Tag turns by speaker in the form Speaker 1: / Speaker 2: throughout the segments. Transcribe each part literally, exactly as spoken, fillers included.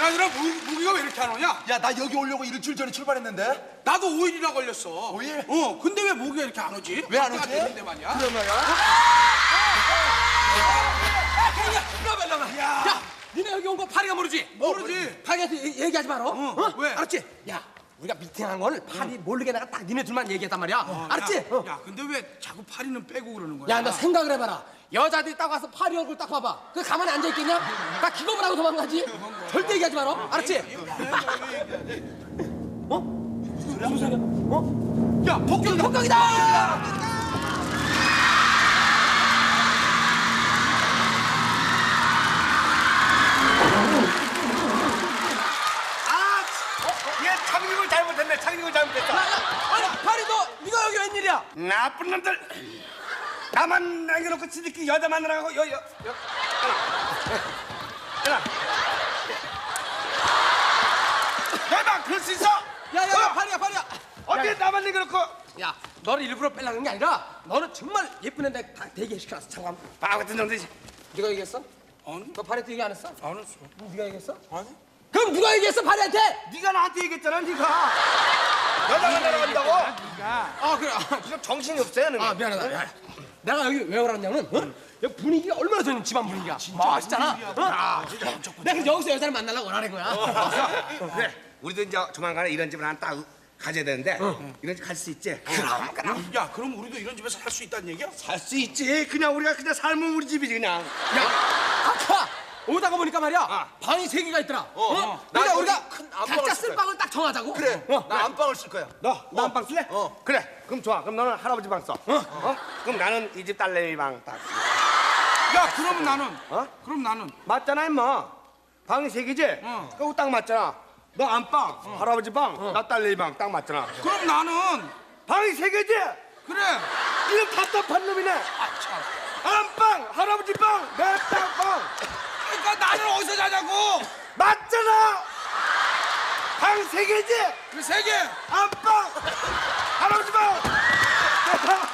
Speaker 1: 그나저나 무기가 왜 이렇게 안 오냐?
Speaker 2: 야, 나 여기 오려고 일주일 전에 출발했는데.
Speaker 1: 나도 오 일이나 걸렸어.
Speaker 2: 오 일?
Speaker 1: 어, 근데 왜 모기가 이렇게 안 오지?
Speaker 2: 왜 안 오지?
Speaker 1: 되는데 말이야.
Speaker 2: 그러면
Speaker 3: 야, 나봐, 나봐.
Speaker 1: 야.
Speaker 3: 야, 니네 여기 온 거 파리가 모르지?
Speaker 1: 모르지.
Speaker 3: 파리한테 얘- 얘기하지 마라. 어?
Speaker 1: 어, 왜?
Speaker 3: 알았지? 야, 우리가 미팅한 거를 파리 모르게 내가 딱 니네 둘만 얘기했단 말이야.
Speaker 1: 어,
Speaker 3: 알았지?
Speaker 1: 야,
Speaker 3: 어.
Speaker 1: 야, 근데 왜 자꾸 파리는 빼고 그러는 거야?
Speaker 3: 야, 너 생각을 해봐라. 여자들이 딱 와서 파리 얼굴 딱 봐봐. 그 가만히 앉아있겠냐? 나 기겁을 하고 도망가지? 절대 얘기하지 마라. 알았지? 어? 무슨 소리야? 어?
Speaker 1: 야, 폭격이다.
Speaker 3: 폭격이다!
Speaker 4: 얘 착륙을 잘못했네. 착륙을 잘못했어.
Speaker 3: 야, 야, 아니, 파리 너, 네가 여기 웬일이야?
Speaker 4: 나쁜 놈들. 나만 남겨놓고 지들끼리 여자 만나라고 여, 여, 여. 일어나. 대박, 그럴 수 있어?
Speaker 3: 야, 야, 야,
Speaker 4: 어?
Speaker 3: 파리야, 파리야.
Speaker 4: 어디 나만 남겨놓고.
Speaker 3: 야, 너를 일부러 빼려는 게 아니라 너는 정말 예쁜 애인데 다 대기시켜놨어. 잠깐.
Speaker 4: 바보 같은 놈들이.
Speaker 3: 네가 얘기했어?
Speaker 1: 아니,
Speaker 3: 너 파리한테 얘기 안 했어?
Speaker 1: 안 했어.
Speaker 3: 네가 얘기했어?
Speaker 1: 아니.
Speaker 3: 그럼 누가 얘기했어, 파리한테?
Speaker 4: 네가 나한테 얘기했잖아, 네가. 여자 만나러 간다고.
Speaker 3: 아, 그래. 아,
Speaker 4: 지금 정신이 없어요, 너는.
Speaker 3: 아, 미안하다. 미안해. 내가 여기 왜 오라냐면, 어? 여기 분위기가 얼마나 좋은 집안 분위기야. 멋있잖아. 어? 내가 그래서 여기서 여자를 만나려고 오라는 거야.
Speaker 4: 그래. 우리도 이제 조만간에 이런 집을 하나 딱 가져야 되는데 이런 집 갈 수 있지?
Speaker 1: 그럼, 그럼. 야, 그럼 우리도 이런 집에서 살 수 있다는 얘기야?
Speaker 4: 살 수 있지. 그냥 우리가 그냥 살면 우리 집이지 그냥.
Speaker 3: 야, 아까 오다가 보니까 말이야, 방이 세 개가 있더라. 어?
Speaker 2: 어.
Speaker 3: 그러니까
Speaker 2: 나
Speaker 3: 우리가
Speaker 2: 거기 큰 안방을
Speaker 3: 각자
Speaker 2: 쓸
Speaker 3: 쓸 방을 딱 정하자고.
Speaker 2: 그래,
Speaker 3: 어.
Speaker 2: 나 안방을 쓸 거야.
Speaker 4: 너, 너 안방 쓸래?
Speaker 2: 어.
Speaker 4: 그래. 그럼 좋아. 그럼 너는 할아버지 방 써. 어? 그럼 나는 이 집 딸내미 방 딱.
Speaker 1: 야, 그러면 나는.
Speaker 4: 어?
Speaker 1: 그럼 나는.
Speaker 4: 맞잖아, 임마. 방이 세 개지?
Speaker 1: 어.
Speaker 4: 그거 딱 맞잖아. 너 안방, 할아버지 방, 나 딸내미 방 딱 맞잖아.
Speaker 1: 그럼 나는.
Speaker 4: 방이 세 개지?
Speaker 1: 그래.
Speaker 4: 이런 답답한 놈이네.
Speaker 1: 아, 참.
Speaker 4: 안방, 할아버지 방, 내 딸 방.
Speaker 1: 그러니까 나는 어디서 자자고?
Speaker 4: 맞잖아. 방 세 개지?
Speaker 1: 그 세 개.
Speaker 4: 안방, 할아버지 방, 내 방.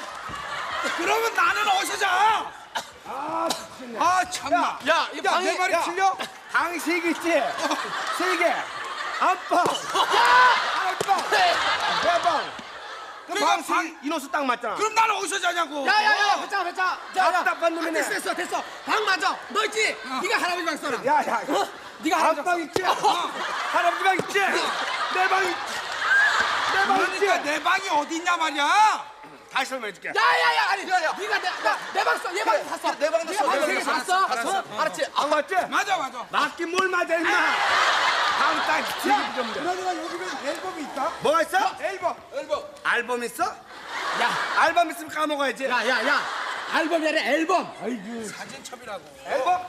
Speaker 1: 그러면 나는 어디서 자?
Speaker 4: 아, 미쳤네.
Speaker 1: 아, 참나.
Speaker 3: 야, 이
Speaker 1: 야,
Speaker 3: 방이
Speaker 1: 내 말이
Speaker 4: 야.
Speaker 1: 틀려?
Speaker 4: 방이 세 개 있지? 세 개. 안방, 할아버지 방, 내 방. 그럼
Speaker 1: 내가
Speaker 4: 방 세
Speaker 1: 방-
Speaker 4: 개, 인호수 딱 맞잖아.
Speaker 1: 그럼 나는 어디서 자냐고?
Speaker 3: 야야야, 배짱 배짱. 자,
Speaker 4: 답답한 놈이네.
Speaker 3: 됐어 됐어 됐어. 방 맞아. 너 있지? 네가 할아버지 방 써라.
Speaker 4: 야, 야, 야.
Speaker 3: 어? 네가 할아버지 방
Speaker 4: 안방 있지? 할아버지 방 있지? 내 방 있지? 내 방 있지?
Speaker 1: 그러니까 내 방이 어디 있냐 말이야?
Speaker 4: 다시 설명해줄게.
Speaker 3: 야야야, 아니, 네가 내내방 써. 얘 방 다 써.
Speaker 2: 내 방도
Speaker 3: 네가
Speaker 2: 써, 내
Speaker 3: 방세개
Speaker 2: 방도
Speaker 3: 다
Speaker 2: 써.
Speaker 3: 써.
Speaker 2: 알았어.
Speaker 3: 어? 알았지?
Speaker 4: 안 맞지?
Speaker 1: 맞아, 맞아.
Speaker 4: 맞긴 뭘 맞아, 임마. 방딱 세개 좀 돼.
Speaker 1: 그러니까 여기는 앨범이 있다?
Speaker 4: 뭐가 있어?
Speaker 1: 앨범.
Speaker 2: 앨범.
Speaker 4: 앨범 있어?
Speaker 3: 야,
Speaker 4: 앨범 있으면 까먹어야지.
Speaker 3: 야, 야, 야. 앨범이 아니라 앨범. 아이고.
Speaker 1: 사진첩이라고.
Speaker 4: 앨범?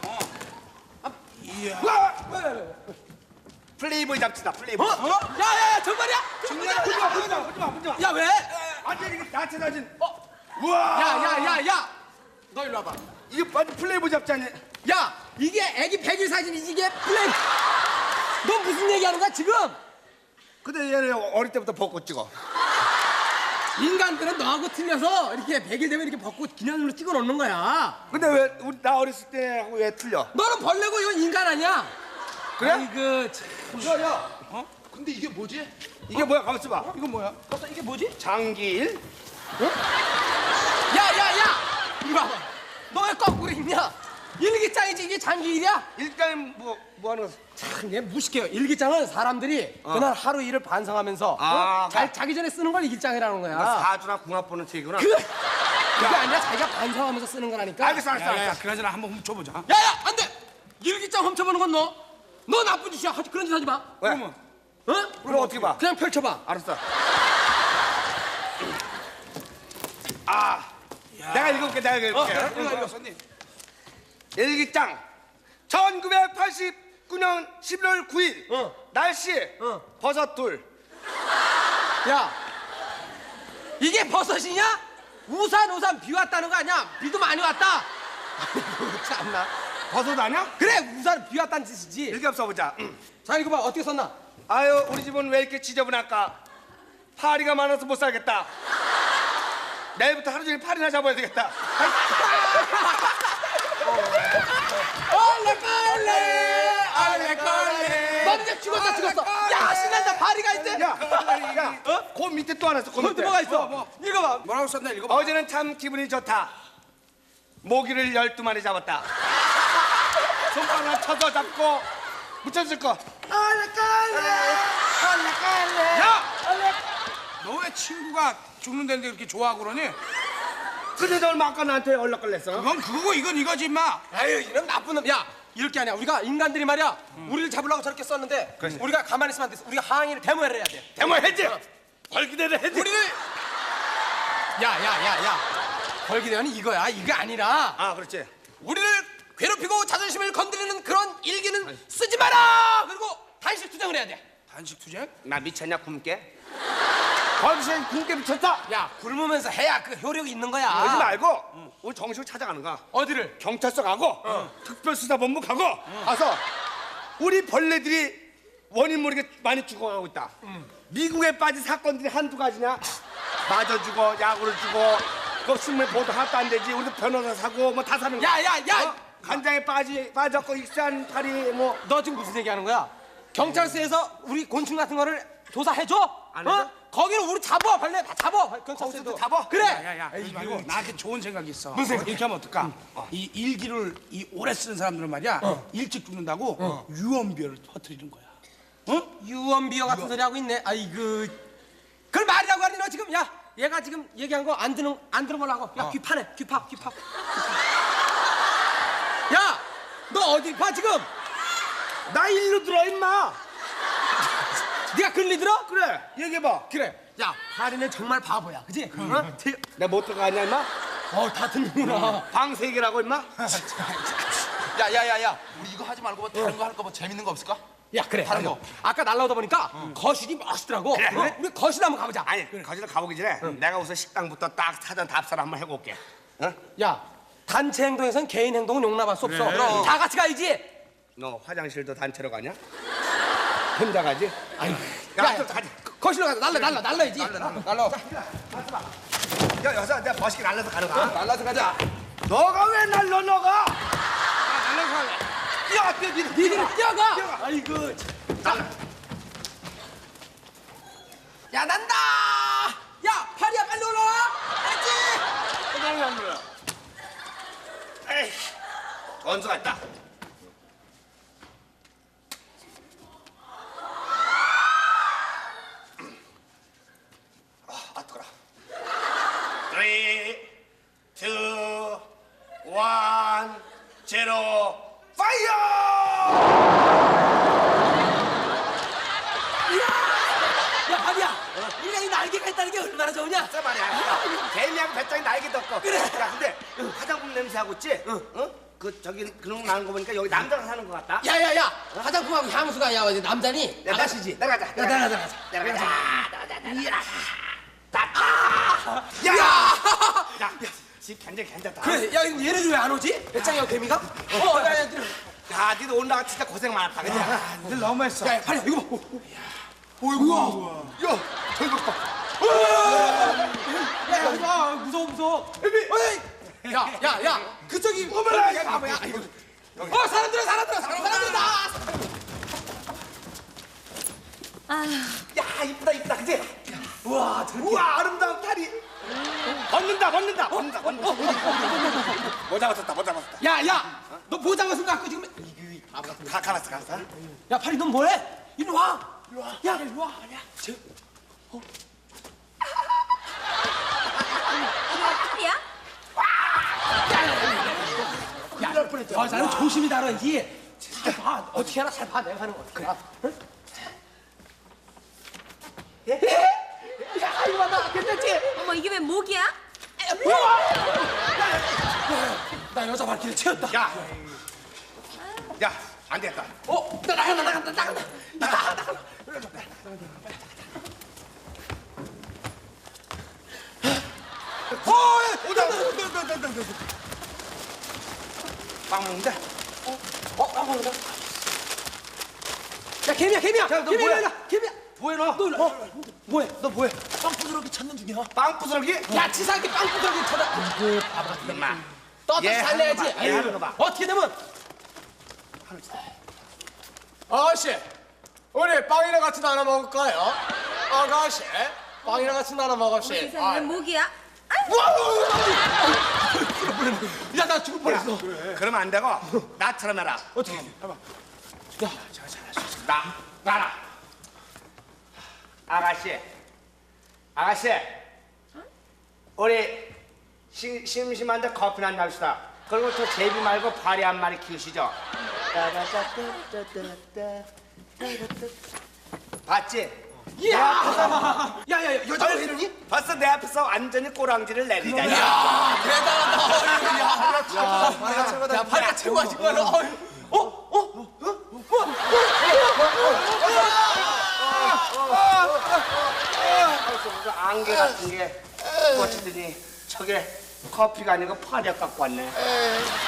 Speaker 1: 이야.
Speaker 4: 와! 플레이보이 잡지다, 플레이보이.
Speaker 3: 어? 야야야, 정말이야?
Speaker 1: 정말이야?
Speaker 4: 보지 마, 보지 마, 보지 마, 보지 마.
Speaker 3: 야, 왜?
Speaker 4: 완전 이게 나체 사진.
Speaker 3: 어?
Speaker 4: 우와!
Speaker 3: 야, 야, 야, 야. 너 일로 와봐.
Speaker 4: 이게 완전 플레이보이 잡지 않냐?
Speaker 3: 야, 이게 애기 백일 사진이지, 이게 플레이. 너 무슨 얘기하는 거야 지금?
Speaker 4: 근데 얘는 어릴 때부터 벚꽃 찍어.
Speaker 3: 인간들은 너하고 틀려서 이렇게 백일 되면 이렇게 벚꽃 기념으로 찍어 놓는 거야.
Speaker 4: 근데 왜 우리 나 어렸을 때하고 왜 틀려?
Speaker 3: 너는 벌레고 이건 인간 아니야.
Speaker 4: 그래?
Speaker 3: 아이고, 참.
Speaker 2: 야, 야. 어? 근데 이게 뭐지?
Speaker 4: 이게 뭐야? 가만 있어봐.
Speaker 1: 이건 뭐야?
Speaker 3: 깜짝 이게 뭐지?
Speaker 4: 장기일.
Speaker 3: 야, 야, 야! 이리 와봐. 너 왜 거꾸로 입냐? 일기장이지 이게 장기일이야?
Speaker 4: 일단 뭐, 뭐 하는 거?
Speaker 3: 참, 얘 무식해요. 일기장은 사람들이 그날 하루 일을 반성하면서
Speaker 4: 아,
Speaker 3: 어? 잘 자기 전에 쓰는 걸 일기장이라는 거야.
Speaker 4: 사주나 궁합 보는 책이구나.
Speaker 3: 그, 그게 아니라 자기가 반성하면서 쓰는 거라니까.
Speaker 4: 알겠어, 알겠어,
Speaker 1: 야, 야, 야,
Speaker 4: 알겠어.
Speaker 1: 그나저나 한번 훔쳐보자.
Speaker 3: 야, 야, 안 돼! 일기장 훔쳐보는 건 너. 너 나쁜 짓이야. 하지 그런 짓 하지 마.
Speaker 4: 왜?
Speaker 1: 그러면
Speaker 3: 어?
Speaker 4: 그럼 어떻게 봐?
Speaker 3: 그냥 펼쳐봐.
Speaker 4: 알았어. 아, 내가 읽어볼게, 내가 읽어볼게.
Speaker 1: 이거 이거 손님.
Speaker 4: 일기장. 천구백팔십구 년 십일월 구일.
Speaker 3: 어.
Speaker 4: 날씨.
Speaker 3: 어.
Speaker 4: 버섯 둘.
Speaker 3: 야, 이게 버섯이냐? 우산 우산 비 왔다는 거 아니야? 비도 많이 왔다. 참나.
Speaker 4: 버섯 아니야?
Speaker 3: 그래, 우산 비 왔다는 뜻이지.
Speaker 4: 일기 써보자.
Speaker 3: 자, 이거 봐. 어떻게 썼나?
Speaker 4: 아유, 우리 집은 왜 이렇게 지저분할까? 파리가 많아서 못 살겠다. 내일부터 하루 종일 파리나 잡아야 되겠다.
Speaker 3: 얼레 걸레, 얼레 걸레. 야 죽었다 죽었어. 야 신난다 파리가 이제.
Speaker 4: 야, 야, 어? 그 밑에 또 하나 있어. 그
Speaker 3: 거기
Speaker 4: 밑에.
Speaker 3: 뭐가 있어?
Speaker 1: 뭐, 뭐.
Speaker 3: 읽어봐.
Speaker 1: 뭐라고 썼나 읽어봐.
Speaker 4: 어제는 참 기분이 좋다. 모기를 열두 마리 잡았다. 손가락 쳐서 잡고 묻혔을 거.
Speaker 1: 야! 너 왜 친구가 죽는다는데 그렇게 좋아하고 그러니?
Speaker 4: 근데 너 얼마 아까 나한테 연락걸렸어?
Speaker 1: 그건 그거고 이건 이거지 임마.
Speaker 3: 아유 이런 나쁜 놈. 야 이럴 게 아니야. 우리가 인간들이 말이야.
Speaker 1: 음.
Speaker 3: 우리를 잡으려고 저렇게 썼는데 우리가 가만히 있으면 안 돼. 우리가 항의를 데모를 해야 돼.
Speaker 4: 대모해지. 벌기대를 해지.
Speaker 3: 우리를 야야야야 벌기대원이 이거야. 이게 아니라
Speaker 4: 아, 그렇지.
Speaker 3: 우리를 괴롭히고 자존심을 건드리는 그런 일기는 쓰지 마라. 그리고 단식 투쟁을 해야 돼.
Speaker 1: 단식 투쟁?
Speaker 4: 나 미쳤냐 굶게? 벌기신 굶게 미쳤다.
Speaker 3: 야 굶으면서 해야 그 효력이 있는 거야.
Speaker 4: 그러지 말고 우리 정식으로 찾아가는 거야.
Speaker 3: 어디를?
Speaker 4: 경찰서 가고 특별수사본부 가고 가서 우리 벌레들이 원인 모르게 많이 죽어가고 있다. 미국에 빠진 사건들이 한두 가지냐? 맞아 죽어, 약으로 죽어. 그 신문에 보도 하나도 안 되지. 우리도 변호사 사고 뭐 다 사는 거야.
Speaker 3: 야야야
Speaker 4: 어? 간장에 빠지 빠졌고 익산 파리 뭐
Speaker 3: 너 지금 무슨 얘기하는 거야? 경찰서에서 우리 곤충 같은 거를 조사해줘?
Speaker 4: 안 해줘?
Speaker 3: 어? 거기는 우리 잡아 벌레 다 잡아 경찰서에도
Speaker 4: 거기서도 잡아?
Speaker 3: 그래.
Speaker 1: 야야야 그러지 말고 나한테 좋은 생각이 있어. 무슨 생각? 이렇게 하면 어떨까? 이 일기를 이 오래 쓰는 사람들은 말이야 일찍 죽는다고 유언비어를 퍼뜨리는 거야. 어?
Speaker 3: 유언비어 같은 소리 하고 있네. 아이고 그걸 말이라고 하니 너 지금 야 얘가 지금 얘기한 거 안 듣는 안 들은 걸로 하고 야 귀 파네 귀 파 귀 파. 야 너 어디 봐 지금?
Speaker 4: 나 일로 들어 임마.
Speaker 3: 네가 글리 들어?
Speaker 4: 그래 얘기해봐.
Speaker 3: 그래. 야 파리는 정말 바보야, 그지? 어?
Speaker 4: 내가 못 들어가냐 임마?
Speaker 3: 어다 듣는구나.
Speaker 4: 방 세 개라고 임마?
Speaker 2: 야야야야 우리 이거 하지 말고 뭐 다른 거 할 거 뭐 재밌는 거 없을까?
Speaker 3: 야 그래.
Speaker 2: 다른 거.
Speaker 3: 아까 날라오다 보니까 거실이 멋있더라고.
Speaker 4: 그래, 그래.
Speaker 3: 어? 우리 거실 한번 가보자.
Speaker 4: 아니 거기서 가보기 전에 내가 우선 식당부터 딱 사전 답사를 한번 해볼게. 어?
Speaker 3: 야 단체 행동에선 개인 행동은 용납할 수 없어. 그럼 다 같이 가야지.
Speaker 4: 너 화장실도 단체로 가냐? 혼자 가지?
Speaker 3: 아유,
Speaker 4: 야,
Speaker 3: 야,
Speaker 4: 또 가지.
Speaker 3: 거실로 가자. 날라 날라 날라야지.
Speaker 1: 날라.
Speaker 4: 야, 여기서 내가 멋있게 날라서 가는 거야.
Speaker 1: 날라서 가자.
Speaker 4: 너가 왜 날라, 너가?
Speaker 1: 날라서 가자.
Speaker 4: 뛰어, 뛰어, 뛰어.
Speaker 3: 니들이 뛰어가. 아이고. 참. 야 난다. 야 파리야 빨리 올라와. 알지?
Speaker 4: 그냥 안 눌러. 에이, 원수가 있다. 아, 뜨거라. three, two, one, zero, fire!
Speaker 3: 야 파리야. 인간이 날개가 있다는 게 얼마나 좋으냐?
Speaker 4: 진짜 말이야. 개미하고 배짱이 날개도 없고. 그래. 야, 근데 화장품 냄새하고 있지? 응. 어? 그 저기 그런 거 나는 거 보니까 여기 남자가 사는 것 같다.
Speaker 3: 야야야. 화장품하고 향수가 야 어디 남자니?
Speaker 4: 야,
Speaker 3: 아가씨지.
Speaker 4: 내려가자.
Speaker 3: 야 내려가자. 내려가자.
Speaker 4: 내려가자. 이야.
Speaker 3: 야.
Speaker 4: 야, 야, 집 굉장히 괜찮다.
Speaker 3: 그래. 야 이거 얘네들 왜 안 오지? 배짱이하고 개미가? 어. 야, 야, 야,
Speaker 4: 야, 니도 올라가 진짜 고생 많았다, 그지?
Speaker 1: 늘 너무했어.
Speaker 3: 야, 파리야 이거 봐.
Speaker 4: 어이구야. 야, 저기 봐.
Speaker 3: 야, 야, 야, 무서워, 무서워. 어이! 야, 야, 야, 그쪽이.
Speaker 4: 어머나, 야, 바보야.
Speaker 3: 어, 사람들아, 사람들아, 사람들아.
Speaker 5: 아휴,
Speaker 4: 야, 이쁘다, 이쁘다, 그지?
Speaker 3: 우와, 저렇게.
Speaker 4: 우와, 아름다운 다리. 벗는다, 벗는다, 벗는다, 벗는다. 못 잡았었다, 못 잡았었다.
Speaker 3: 야, 야, 너 보장을 갖고 지금.
Speaker 4: 가, 가랐어, 가랐어.
Speaker 3: 야, 파리, 넌 뭐해? 이리 와. 이리 와. 야, 이리 와. 야, 저,
Speaker 5: 파리야?
Speaker 3: 야, 여자는 조심히 다뤄야지. 잘 봐. 어떻게 하나 잘 봐. 내가 하는 거 어떻게 알아? 응? 야, 이거 봐. 괜찮지?
Speaker 5: 어머, 이게 왜 목이야?
Speaker 3: 나 여자 발길을 채웠다.
Speaker 4: 야, 야, 안 되겠다.
Speaker 3: 어, 나 나간다, 나간다, 나간다. 나가, 나가.
Speaker 4: 어, 오다, 오다, 오다, 오다, 오다. 빵 먹는데?
Speaker 3: 어, 나 먹는다. 야, 개미야, 개미야.
Speaker 4: 야, 너
Speaker 3: 개미야,
Speaker 4: 뭐야?
Speaker 3: 일로 와. 개미야.
Speaker 4: 뭐해, 너?
Speaker 3: 너 일로 와. 뭐해?
Speaker 4: 너 뭐해?
Speaker 3: 빵 부스러기 찾는 중이야.
Speaker 4: 빵 부스러기?
Speaker 3: 야, 치사하게 빵 부스러기 찾아. 아이고, 바보 같은
Speaker 4: 엄마.
Speaker 3: 떳떳이
Speaker 4: 얘
Speaker 3: 살려야지.
Speaker 4: 하는 거 봐, 얘
Speaker 3: 아유,
Speaker 4: 하는 거 봐.
Speaker 3: 어떻게 되면? 아씨, 우리 빵이랑 같이 나눠 먹을까요? 아가씨, 빵이랑 같이 나눠 먹읍시.
Speaker 5: 세상에 모기야?
Speaker 3: 야, 나 죽을 뻔했어.
Speaker 4: 그러면 안 되고 나처럼 해라.
Speaker 3: 어떻게?
Speaker 4: 나 나라. 아가씨, 아가씨, 우리 심, 심심한데 커피나 한잔 합시다. 그리고 저 제비 말고 파리 한 마리 키우시죠. 봤지?
Speaker 3: 야, 야, 야, 여자가 왜 이러니?
Speaker 4: 봤어, 내 앞에서 완전히 꼬랑지를 내리다니.
Speaker 2: 야, 대단하다. 야, 파리가 최고다. 야, 파리가 최고야, 정말로.
Speaker 3: 어? 어?
Speaker 4: 무슨 안개 같은 게 꽂히더니 저게 커피가 아니고 파리 갖고 왔네.